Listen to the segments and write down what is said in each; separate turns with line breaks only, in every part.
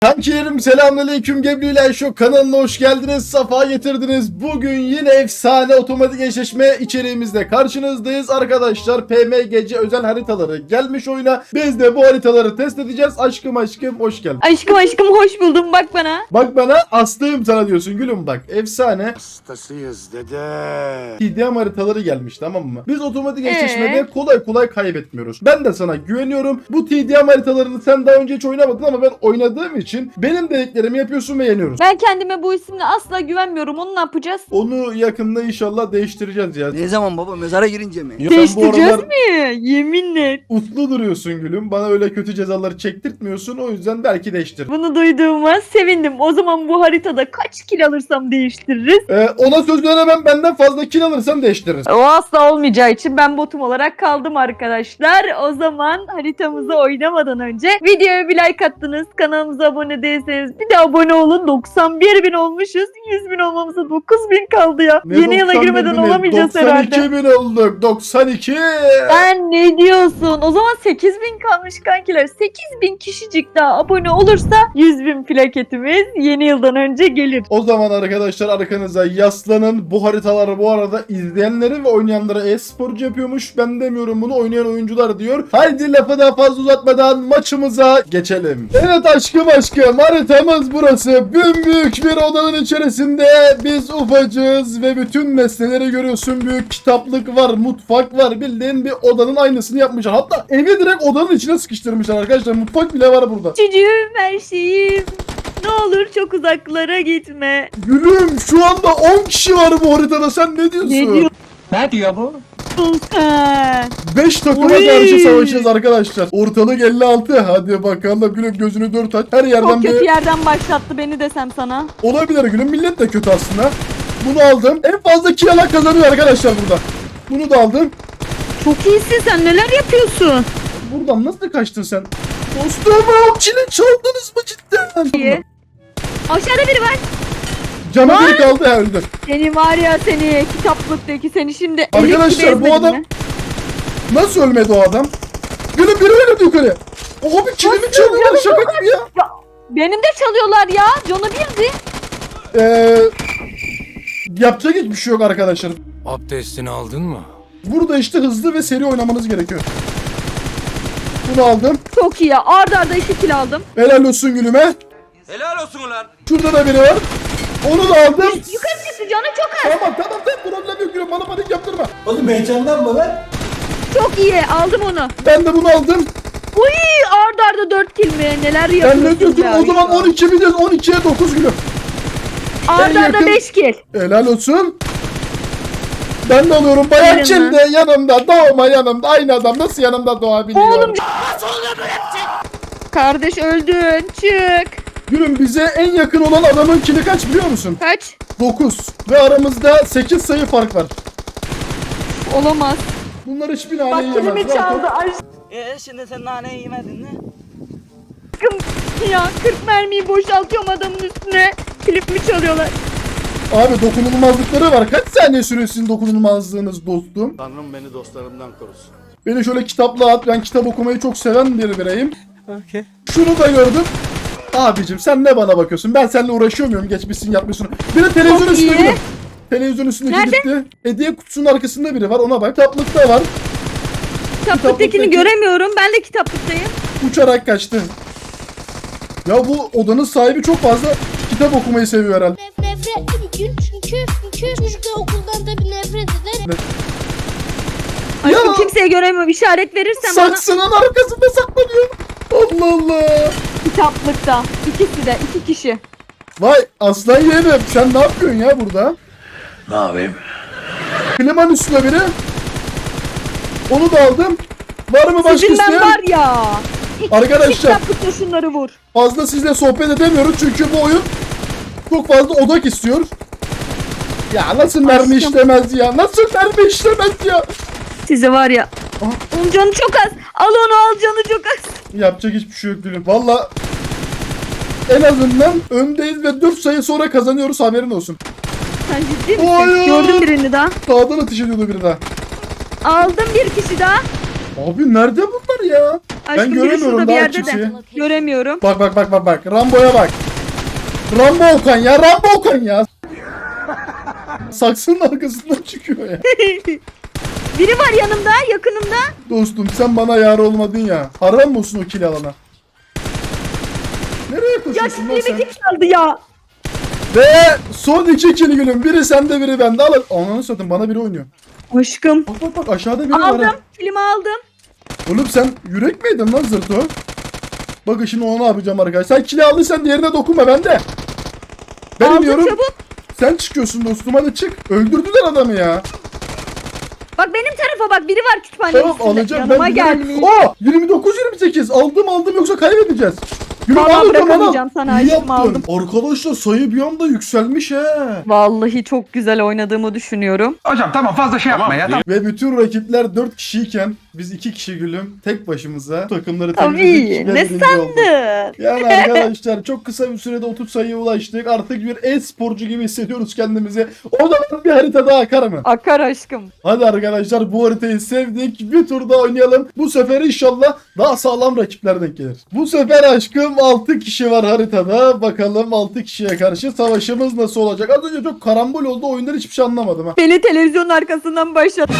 Kankilerim selamünaleyküm, Gebri'yle şu kanalına hoş geldiniz, safa getirdiniz. Bugün yine efsane otomatik eşleşme içeriğimizde karşınızdayız arkadaşlar. PMGC özel haritaları gelmiş oyuna. Biz de bu haritaları test edeceğiz. Aşkım hoş geldin.
Aşkım hoş buldum, bak bana.
Bak bana, hastayım sana diyorsun gülüm, bak efsane.
Hastasıyız dede.
TDM haritaları gelmiş, tamam mı? Biz otomatik eşleşmede kolay kaybetmiyoruz. Ben de sana güveniyorum. Bu TDM haritalarını sen daha önce hiç oynamadın ama ben oynadığım için benim dediklerimi yapıyorsun ve yeniyoruz.
Ben kendime bu isimle asla güvenmiyorum. Onu ne yapacağız?
Onu yakında inşallah değiştireceğiz ya.
Ne zaman baba, mezara girince mi?
Ya sen bu
Değiştireceğiz
aralar
mi? Yeminle.
uslu duruyorsun gülüm. Bana öyle kötü cezaları çektirtmiyorsun. O yüzden belki değiştir.
Bunu duyduğuma sevindim. O zaman bu haritada kaç kil alırsam değiştiririz.
Ona söz veremem, benden fazla kill alırsan değiştiririz.
O asla olmayacağı için ben botum olarak kaldım arkadaşlar. O zaman haritamızı oynamadan önce videoya bir like attınız. Kanalımıza abone değilseniz bir de abone olun. 91.000 olmuşuz. 100.000 olmamıza 9.000 kaldı ya.
Ne
Yeni yıla
91
girmeden
bini?
olamayacağız
92
herhalde.
92 bin olduk. 92.
Sen ne diyorsun? O zaman 8.000 kalmış kankiler. 8.000 kişicik daha abone olursa 100.000 plaketimiz yeni yıldan önce gelir.
O zaman arkadaşlar arkanıza yaslanın. Bu haritaları bu arada izleyenleri ve oynayanlara e-sporcu yapıyormuş. Ben demiyorum bunu, oynayan oyuncular diyor. Haydi lafı daha fazla uzatmadan maçımıza geçelim. Evet aşkım haritamız burası. Büyük bir odanın içerisinde biz ufacığız ve bütün nesneleri görüyorsun. Büyük kitaplık var, mutfak var. Bildiğin bir odanın aynısını yapmışlar. Hatta evi direkt odanın içine sıkıştırmışlar arkadaşlar. Mutfak bile var burada.
Çocuğum, her şeyim. Ne olur çok uzaklara gitme.
Gülüm, şu anda 10 kişi var bu haritada. Sen ne diyorsun?
Ne diyorsun
Ne diyor bu?
sen?
5 takıma
Oy.
karşı savaşacağız arkadaşlar. Ortalık 56. Hadi bakalım gülüm, gözünü dört aç. Her yerden
Çok kötü
bir
yerden başlattı beni desem sana.
olabilir gülüm. Millet de kötü aslında. Bunu aldım. En fazla kill alan kazanıyor arkadaşlar burada. Bunu da aldım.
Çok iyisin, sen neler yapıyorsun?
Buradan nasıl kaçtın sen? Dostum, o kill'i çaldınız mı cidden?
İyi. Aşağıda biri var.
Canı bir kaldı ya, öldü.
Seni var ya, seni kitaplıktaki seni şimdi
Arkadaşlar,
elik gibi
bu
ezmedim
adam-
mi?
Nasıl ölmedi o adam? Gülüm, biri öldü yukarı. Abi killimi
Nasıl?
çalıyorlar,
Canı
şaka gibi ya.
Benim de çalıyorlar ya. Canı birdi.
Yapacak hiçbir şey yok arkadaşlar.
Abdestini aldın mı?
Burada işte hızlı ve seri oynamanız gerekiyor. Bunu aldım.
Çok iyi ya. Arda arda 2 kill aldım.
Helal olsun gülüme.
Helal olsun ulan.
Şurada da biri var. Onu da aldım.
Yukarı çıktı, canı çok az.
Tamam problem yok gülüm, bana panik yaptırma.
Oğlum heyecanlanma lan.
Çok iyi, aldım onu.
Ben de bunu aldım.
Uy, arda arda 4 kill mi? Neler
Ben
yapıyorsun
ne diyorsun,
ya?
o zaman 12 bir de 12'ye 9 gülüm.
Arda
en
arda
yakın-
5 kill.
Helal olsun. Ben de alıyorum. Bayan
Verin
Çin de yanımda, doğma yanımda. Aynı adam nasıl yanımda doğabiliyor?
Oğlum, kardeş öldün, çık.
Gülüm, bize en yakın olan adamın kili kaç biliyor musun?
Kaç?
9. Ve aramızda 8 sayı fark var.
Olamaz.
Bunlar hiçbir
Bak
nane yiyemez.
kilimi çaldı
Şimdi sen naneyi yemedin mi?
aşkım. Ya 40 mermiyi boşaltıyorum adamın üstüne. Klip mi çalıyorlar?
Abi dokunulmazlıkları var. Kaç saniye sürüyor sizin dokunulmazlığınız dostum?
Tanrım beni dostlarımdan korusun.
Beni şöyle kitapla at. Ben kitap okumayı çok seven bir bireyim.
Okey.
Şunu da gördüm. Abicim sen ne bana bakıyorsun? Ben seninle uğraşıyor muyum? Geçmişsin, yapmışsın. Bir de televizyon
Çok
üstünde
iyi.
gülüm. Televizyon üstündeki
Nerede?
gitti. Hediye kutusunun arkasında biri var, ona bak. Kitaplıkta var.
Kitaplıktakini göremiyorum. Ben de kitaplıktayım.
Uçarak kaçtı. Ya bu odanın sahibi çok fazla kitap okumayı seviyor herhalde.
Nefret çünkü çocuklar okuldan da bir nefret eder.
Aşkım
Ya.
kimseye göremiyorum. İşaret verirsen bana.
Saksının arkasında saklanıyor. Allah Allah.
Kitaplıkta. İkisi de. 2 kişi.
Vay aslan yeğenim, sen ne yapıyorsun ya burada?
Ne yapayım?
Klimanın üstüne biri. Onu da aldım. Var mı başka
Sizin ben
isteyen?
var ya.
Arkadaşlar.
Kitaplıkta şunları vur.
Fazla sizle sohbet edemiyoruz çünkü bu oyun çok fazla odak istiyor. Ya nasıl mermi
Aşkım.
işlemez ya? Nasıl mermi işlemez ya?
Size var ya.
Aha.
Onun canı çok az. Al onu, al, canı çok az.
Yapacak hiçbir şey yok gülüm. Valla en azından öndeyiz ve 4 sayı sonra kazanıyoruz, haberin olsun.
Sen ciddi misin?
Hayır.
Gördüm birini daha.
Sağdan ateş ediyordu biri daha.
Aldım bir kişi daha.
Abi nerede bunlar ya?
Aşkım biri
göremiyorum
şurada bir
daha
yerde de.
kimseyi.
Göremiyorum.
Bak. Rambo'ya bak. Rambo Okan ya. Saksının arkasından çıkıyor ya.
Biri var yanımda, yakınımda.
Dostum sen bana yar olmadın ya. Haram mı olsun o kill alana? Nereye
Ya
koşuyorsun lan sen?
kilimi kim çaldı ya?
Ve son 2 kill gülüm. Biri sende biri bende. Al. Ananı satayım bana biri oynuyor.
Aşkım.
Bak aşağıda biri var.
Aldım.
ha.
Kilimi aldım.
Oğlum sen yürek miydin lan zırto? Bakın şimdi ona ne yapacağım arkadaşlar. Sen kili aldıysan diğerine dokunma bende. Ben
Aldım
iniyorum.
çabuk.
Sen çıkıyorsun dostum hadi çık. Öldürdüler adamı ya.
Bak benim tarafa bak, biri var kütüphanenin
Tamam
üstünde.
alacağım
Yanıma
ben.
gelmiş.
29-28 aldım yoksa kaybedeceğiz. Yürü,
Vallahi
al o zaman,
bırakamayacağım
al.
sana,
İyi
aşkım,
yaptın.
aldım.
Arkadaşlar sayı bir anda yükselmiş he.
Vallahi çok güzel oynadığımı düşünüyorum.
Hocam tamam fazla şey yapma ya. Tamam.
Ve bütün rakipler 4 kişiyken biz 2 kişi gülüm tek başımıza takımları
Tabii,
temizledik. ve
ne
birinci olduk.
sandın?
Yani arkadaşlar çok kısa bir sürede 30 sayıya ulaştık. Artık bir e-sporcu gibi hissediyoruz kendimizi. O zaman bir harita daha akar mı?
Akar aşkım.
Hadi arkadaşlar bu haritayı sevdik. Bir tur daha oynayalım. Bu sefer inşallah daha sağlam rakipler denk gelir. Bu sefer aşkım 6 kişi var haritada. Bakalım 6 kişiye karşı savaşımız nasıl olacak? Az önce çok karambol oldu. Oyundan hiçbir şey anlamadım ha.
Beni televizyonun arkasından başlat.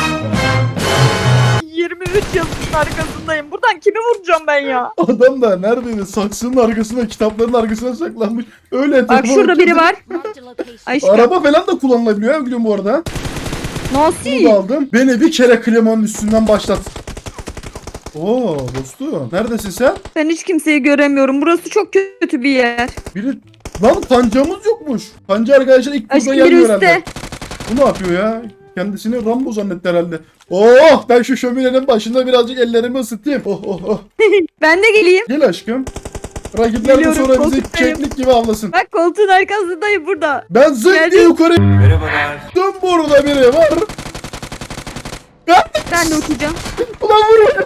23 yazının arkasındayım. Buradan kimi vuracağım ben ya?
Adam da neredeydi? Saksının arkasına, kitapların arkasına saklanmış. Öyle
Bak
telefon
şurada biri
açınca-
var. Aşkım.
Araba falan da kullanılabiliyor ya gülüm bu arada. Bunu da
Nasıl?
aldım. Beni bir kere klimanın üstünden başlat. Oo dostum. Neredesin sen?
Ben hiç kimseyi göremiyorum. Burası çok kötü bir yer.
Biri... Lan pancamız yokmuş. Panca arkadaşlar ilk turda
Aşkım biri
gelmiyor
üstte.
herhalde. Bu ne yapıyor ya? Kendisini Rambo zannetti herhalde. Oh ben şu şöminenin başında birazcık ellerimi ısıtayım. Oh.
Ben de geleyim.
Gel aşkım. Rakipler de
Geliyorum,
sonra bizi
koltuktayım.
keklik gibi avlasın.
Bak koltuğun arkasındayım burada.
Ben zırt
Geldim.
diye yukarı... Merhabalar. Dön burada biri var.
Ben de uçacağım.
Ulan vur.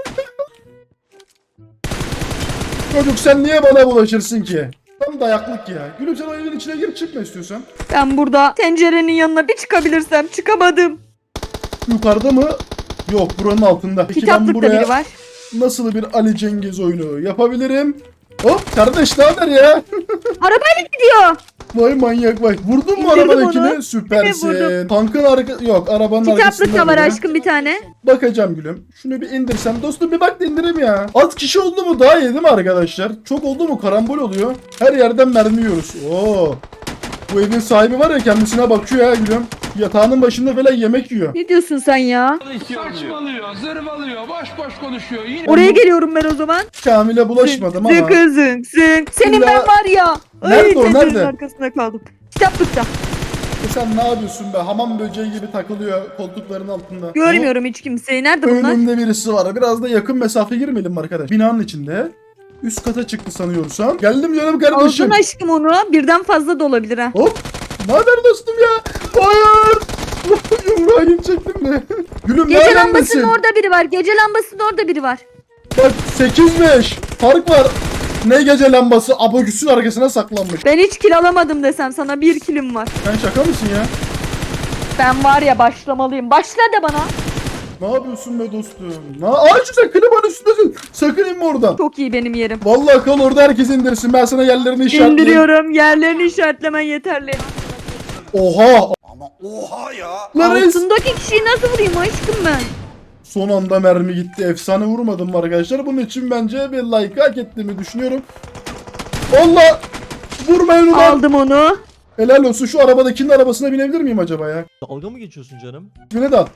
Çocuk sen niye bana bulaşırsın ki? Tam dayaklık ya. Gülüm sen o evin içine girip çıkma istiyorsan.
Ben burada tencerenin yanına bir çıkabilirsem çıkamadım.
Yukarıda mı? Yok buranın altında. Peki ben
Kitaplıkta
buraya
biri var.
nasıl bir Ali Cengiz oyunu yapabilirim? Hop kardeş ne haber ya?
Arabayla gidiyor.
Vay manyak vay. Vurdun mu
İndirdim
arabadakini?
onu.
Süpersin.
vurdum.
Tankın arka... Yok arabanın arkasında.
Kitaplık da var
biri.
aşkım bir tane.
Bakacağım gülüm. Şunu bir indirsem. Dostum bir bak da indireyim ya. Az kişi oldu mu daha iyi değil mi arkadaşlar? Çok oldu mu karambol oluyor. Her yerden mermi yiyoruz. Oo. Bu evin sahibi var ya kendisine bakıyor ya gülüm. Yatağının başında falan yemek yiyor.
Ne diyorsun sen ya?
Saçmalıyor, zırvalıyor, boş konuşuyor. Yine
Oraya geliyorum ben o zaman.
Kamil'e bulaşmadım ama.
Zınk zınk zınk. Senin
İlla-
ben var ya.
Nerede o,
tencerenin
nerede?
arkasında kaldım. Kitaplıkta.
Sen ne yapıyorsun be? Hamam böceği gibi takılıyor koltukların altında.
Görmüyorum hiç kimseyi. Nerede
O,
bunlar?
önümde birisi var. Biraz da yakın mesafe girmeyelim mi arkadaş? Binanın içinde. Üst kata çıktı sanıyorsam. Geldim canım kardeşim.
Aldın aşkım onu. Birden fazla da olabilir ha.
Hop. Ne haber dostum ya? Hayır. Yumruğa gidecektim de. Gülüm
Gece
neredesin?
lambasının orada biri var. Gece lambasının orada biri var.
Bak 8-5. Fark var. Ne gece lambası? Abogüsün arkasına saklanmış.
Ben hiç kil alamadım desem sana, bir kilim var.
Sen şaka mısın ya?
Ben var ya başlamalıyım. Başla de bana.
Ne yapıyorsun be dostum? Şu sen klimanın üstündesin. Sakın inme oradan.
Çok iyi benim yerim.
Vallahi kal orada herkes indirsin. Ben sana yerlerini işaretleyeyim.
İndiriyorum. Yerlerini işaretlemen yeterli.
Oha.
Ama oha ya.
Lan res.
Altındaki kişiyi nasıl vurayım aşkım ben?
Son anda mermi gitti. Efsane vurmadım arkadaşlar. Bunun için bence bir like hak ettiğimi düşünüyorum. Allah! Vurmayın ulan.
Aldım onu.
Helal olsun. Şu arabadakinin arabasına binebilir miyim acaba ya?
Dalga mı geçiyorsun canım?
Bine de al.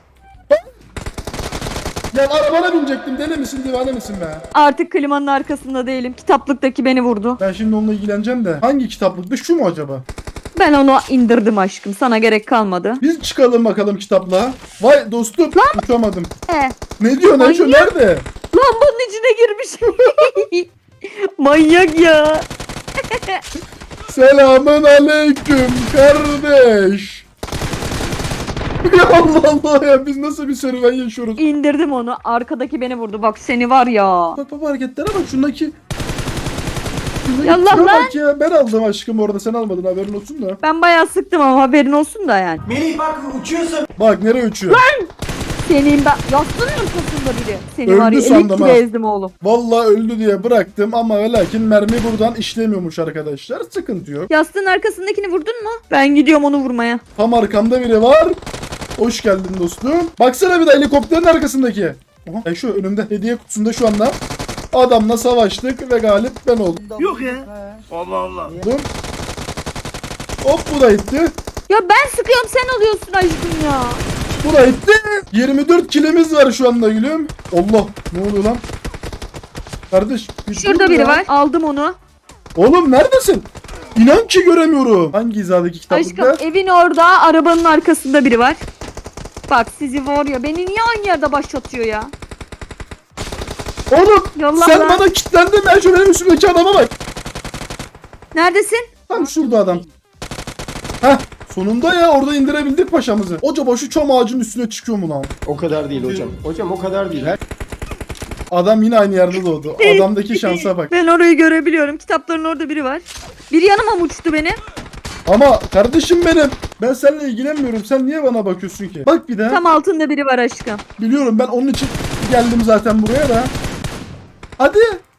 Ya arabana binecektim. Deli misin divane misin be?
Artık klimanın arkasında değilim. Kitaplıktaki beni vurdu.
Ben şimdi onunla ilgileneceğim de. Hangi kitaplıktı? Şu mu acaba?
Ben onu indirdim aşkım. Sana gerek kalmadı.
Biz çıkalım bakalım kitaplığa. Vay dostum. Uçamadım.
He.
Ne diyor Neşo?
Manyak.
Nerede?
Lambanın içine girmiş. Manyak ya.
Selamun aleyküm kardeş. Ya Allah Allah ya biz nasıl bir serüven yaşıyoruz?
İndirdim onu. Arkadaki beni vurdu. Bak seni var ya.
Bak hareketlere bak şundaki.
Yallah
şuna
lan.
bak ya ben aldım aşkım orada sen almadın haberin olsun da.
Ben bayağı sıktım ama haberin olsun da yani.
Melih bak uçuyorsun.
Bak nereye uçuyor?
Senin ben... Yastığın arkasında biri. Seni
Öldü
var ya
sandım ha.
elektriğe ezdim oğlum.
Vallahi öldü diye bıraktım ama ve lakin mermi buradan işlemiyormuş arkadaşlar. Sıkıntı yok.
Yastığın arkasındakini vurdun mu? Ben gidiyorum onu vurmaya.
Tam arkamda biri var. Hoş geldin dostum. Baksana bir de helikopterin arkasındaki. Aha, şu önümde hediye kutusunda şu anda. Adamla savaştık ve galip ben oldum.
Yok ya.
Hop bu da gitti.
Ya ben sıkıyorum sen alıyorsun aşkım ya.
Bu da gitti. 24 kilimiz var şu anda gülüm. Allah ne oluyor lan? Kardeş. bir
Şurada
dur
biri
ya.
var. Aldım onu.
Oğlum neredesin? İnan ki göremiyorum. Hangi hizadaki kitaplıkta?
Aşkım evin orada arabanın arkasında biri var. Bak sizi var ya beni niye aynı yerde başlatıyor ya?
Oğlum
Yolla
sen
lan.
bana kilitlendin. Ben şu benim üstümdeki adama bak.
Neredesin?
Tam şurada adam. Heh sonunda ya orada indirebildik paşamızı. Acaba şu çam ağacının üstüne çıkıyor mu lan?
O kadar değil hocam. Hocam o kadar değil.
Adam yine aynı yerde doğdu. Adamdaki şansa bak.
Ben orayı görebiliyorum. Kitapların orada biri var. Biri yanıma mı uçtu beni?
Ama kardeşim benim. Ben seninle ilgilenmiyorum. Sen niye bana bakıyorsun ki? Bak bir de.
Tam altında biri var aşkım.
Biliyorum ben onun için geldim zaten buraya da. Hadi.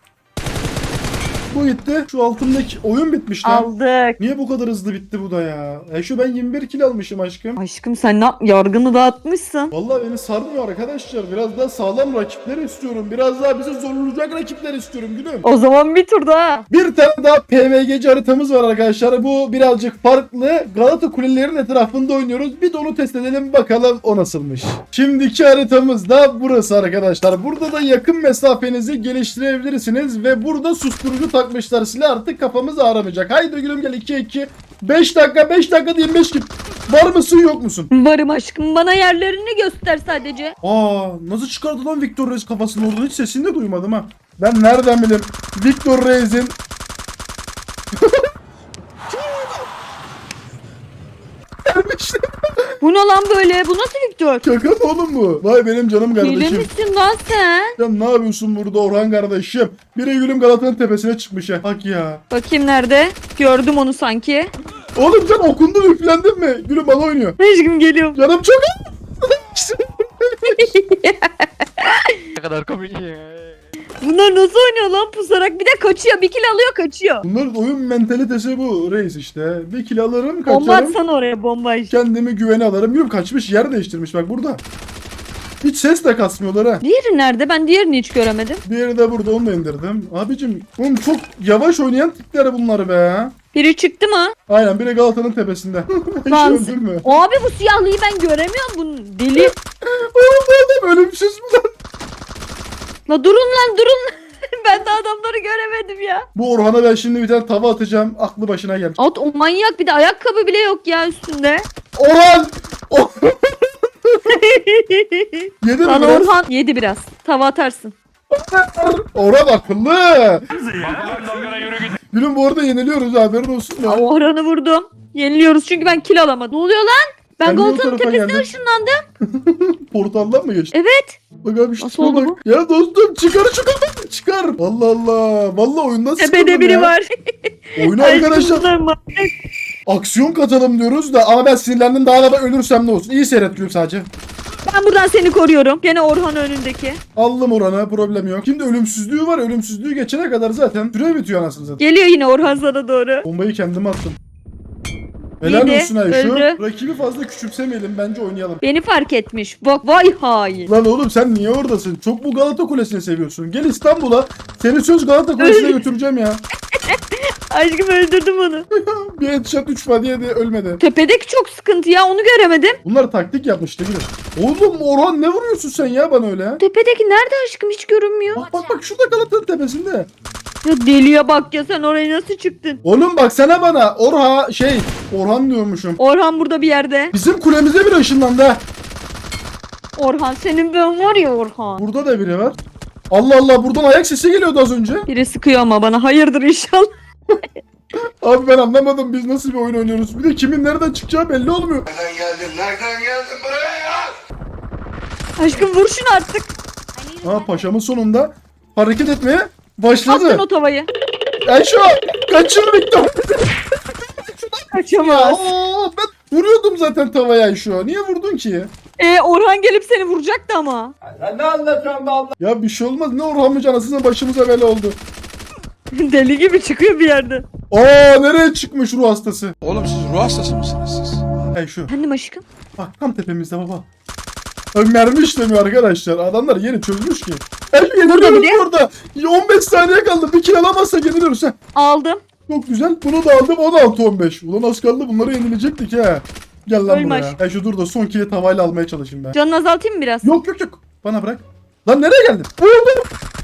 Bu gitti. Şu altındaki oyun bitmiş lan.
Aldık.
Niye bu kadar hızlı bitti bu da ya? Şu ben 21 kilo almışım aşkım.
Aşkım sen yargını dağıtmışsın.
Vallahi beni sarmıyor arkadaşlar. Biraz daha sağlam rakipler istiyorum. Biraz daha bizi zorlayacak rakipler istiyorum gülüm.
O zaman bir tur daha.
Bir tane daha PVGC haritamız var arkadaşlar. Bu birazcık farklı. Galata Kulelerin etrafında oynuyoruz. Bir de onu test edelim bakalım o nasılmış. Şimdiki haritamız da burası arkadaşlar. Burada da yakın mesafenizi geliştirebilirsiniz ve burada susturucu takmışlar silah, artık kafamız ağramayacak. Haydi gülüm gel 2-2. 5 dakika 5 dakika 25 git. Var mısın yok musun?
Varım aşkım bana yerlerini göster sadece.
Aa nasıl çıkardı lan Victor Reis kafasını oradan, hiç sesini de duymadım ha. Ben nereden bileyim Victor Reis'in
Bu ne lan böyle? Bu nasıl Victor?
şaka mı oğlum bu? Vay benim canım
Hile
kardeşim.
misin lan sen?
Sen ne yapıyorsun burada Orhan kardeşim? Biri gülüm Galata'nın tepesine çıkmış ya. Bak ya.
Bakayım nerede? Gördüm onu sanki.
Oğlum sen okundun üflendin mi? Gülüm bana oynuyor.
Aşkım geliyorum.
Canım çok
Bunlar nasıl oynuyor lan pusarak? Bir de kaçıyor. Bir kill alıyor kaçıyor.
Bunların oyun mentalitesi bu reis işte. Bir kill alırım
Bomba
kaçarım.
atsana oraya bomba işte.
Kendimi güvene alırım. Yok kaçmış yer değiştirmiş bak burada. Hiç ses de kasmıyorlar ha.
Diğeri nerede? Ben diğerini hiç göremedim.
Diğeri de burada, onu da indirdim. Abicim oğlum çok yavaş oynayan tipler bunlar be.
Biri çıktı mı?
Aynen biri Galata'nın tepesinde. Hiç
Lan
öldürme.
abi bu siyahlıyı ben göremiyorum. Bunu deli.
Oğlum bu adam ölümsüz mü lan?
La durun lan durun. Ben de adamları göremedim ya.
Bu Orhan'a ben şimdi bir tane tava atacağım. Aklı başına gel.
At o manyak bir de ayakkabı bile yok ya üstünde.
Orhan! Yedi mi
Lan
biraz?
Orhan yedi biraz. Tava atarsın.
Orhan akıllı. Gülüm bu arada yeniliyoruz haberin olsun
Aa,
ya.
Orhan'ı vurdum. Yeniliyoruz çünkü ben kill alamadım. Ne oluyor lan? Ben
Ben de o
Galta'nın
tarafa
tepesine
geldim.
ışınlandım.
Portaldan mı geçti?
Evet.
Bak abi işte
Nasıl oldu
bak. Ya dostum çıkar şu kafayı çıkar. Allah Allah. Vallahi oyundan sıkıldım
Tepede biri
ya.
var.
Oyuna
Ay,
arkadaşlar
kızlar manyak.
aksiyon katalım diyoruz da ama ben sinirlendim, daha da ben ölürsem ne olsun. İyi seyret gülüm sadece.
Ben buradan seni koruyorum. Gene Orhan önündeki.
Aldım Orhan'a, problem yok. Şimdi ölümsüzlüğü var. Ölümsüzlüğü geçene kadar zaten süre bitiyor anasını satayım.
Geliyor yine Orhan sana doğru.
Bombayı kendime attım. Helal
Yedi,
olsun Ayşe.
öldü.
Rakibi fazla küçümsemeyelim, bence oynayalım.
Beni fark etmiş. Bak vay hain.
Lan oğlum sen niye oradasın? Çok bu Galata Kulesi'ni seviyorsun. Gel İstanbul'a. Seni söz Galata Kulesi'ne götüreceğim ya.
Aşkım öldürdüm onu.
Bir headshot 3 body yedi, ölmedi.
Tepedeki çok sıkıntı ya onu göremedim.
Bunlar taktik yapmıştı gülüm. Oğlum Orhan ne vuruyorsun sen ya bana öyle?
Tepedeki nerede aşkım hiç görünmüyor.
Bak şurada Galata'nın tepesinde.
Ya deliye bak ya sen oraya nasıl çıktın?
Oğlum baksana bana. Orhan diyormuşum.
Orhan burada bir yerde.
Bizim kulemize bir ışınlandı ha.
Orhan senin ben var ya Orhan.
Burada da biri var. Allah Allah, buradan ayak sesi geliyordu az önce.
Biri sıkıyor ama bana hayırdır inşallah.
Abi ben anlamadım, biz nasıl bir oyun oynuyoruz. Bir de kimin nereden çıkacağı belli olmuyor.
Nereden geldin buraya ya?
Aşkım vur şunu artık.
Ha paşamın sonunda hareket etmeye başladı.
Attın o tavayı.
Ayşe kaçır Victor. Ya,
Kaçamaz.
ben vuruyordum zaten tavaya Ayşe. Niye vurdun ki?
Orhan gelip seni vuracaktı ama.
Ya bir şey olmaz. Ne Orhan'mış anasını başımıza bela oldu.
Deli gibi çıkıyor bir yerden.
Aa nereye çıkmış ruh hastası?
Oğlum siz ruh hastası mısınız siz?
Hey şu.
Efendim aşkım?
Bak tam tepemizde baba. Mermi işlemiyor arkadaşlar. Adamlar yeni çözmüş ki. Yeniliyoruz
bile.
burada. 15 saniye kaldı. Bir kill alamazsak yeniliyoruz. Heh.
Aldım.
Çok güzel. Bunu da aldım. 16-15. Ulan az kaldı. Bunları yenilecektik ha. Gel lan
Ölme
buraya.
aşkım.
Şu dur da son kill'i tavayla almaya çalışayım ben.
Canını azaltayım mı biraz?
Yok. Bana bırak. Lan nereye geldin? Vurdum.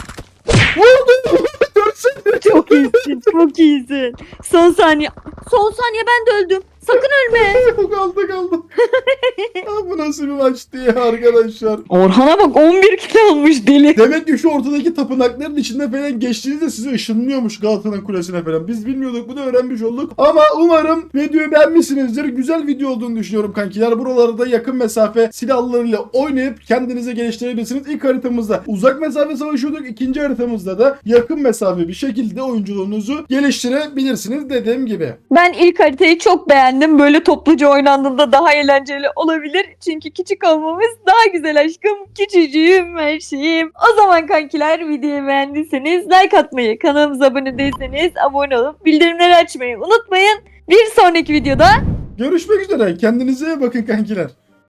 Görsene.
Çok iyisin. Çok iyisin. Son saniye. Son saniye ben de öldüm. Sakın ölme.
kaldı. Ya bu nasıl bir maçtı ya arkadaşlar.
Orhan'a bak 11 kilo almış deli.
Demek ki şu ortadaki tapınakların içinde falan geçtiğinizde size ışınlıyormuş Galata'nın kulesine falan. Biz bilmiyorduk, bunu öğrenmiş olduk. Ama umarım videoyu beğenmişsinizdir. Güzel video olduğunu düşünüyorum kankiler. Buralarda yakın mesafe silahlarıyla oynayıp kendinize geliştirebilirsiniz. İlk haritamızda uzak mesafe savaşıyorduk. İkinci haritamızda da yakın mesafe bir şekilde oyunculuğunuzu geliştirebilirsiniz dediğim gibi.
Ben ilk haritayı çok beğendim. Böyle topluca oynandığında daha eğlenceli olabilir. Çünkü küçük olmamız daha güzel aşkım. Küçücüğüm her şeyim. O zaman kankiler videoyu beğendiyseniz like atmayı, kanalımıza abone değilseniz abone olup bildirimleri açmayı unutmayın. Bir sonraki videoda
Görüşmek üzere. Kendinize iyi bakın kankiler.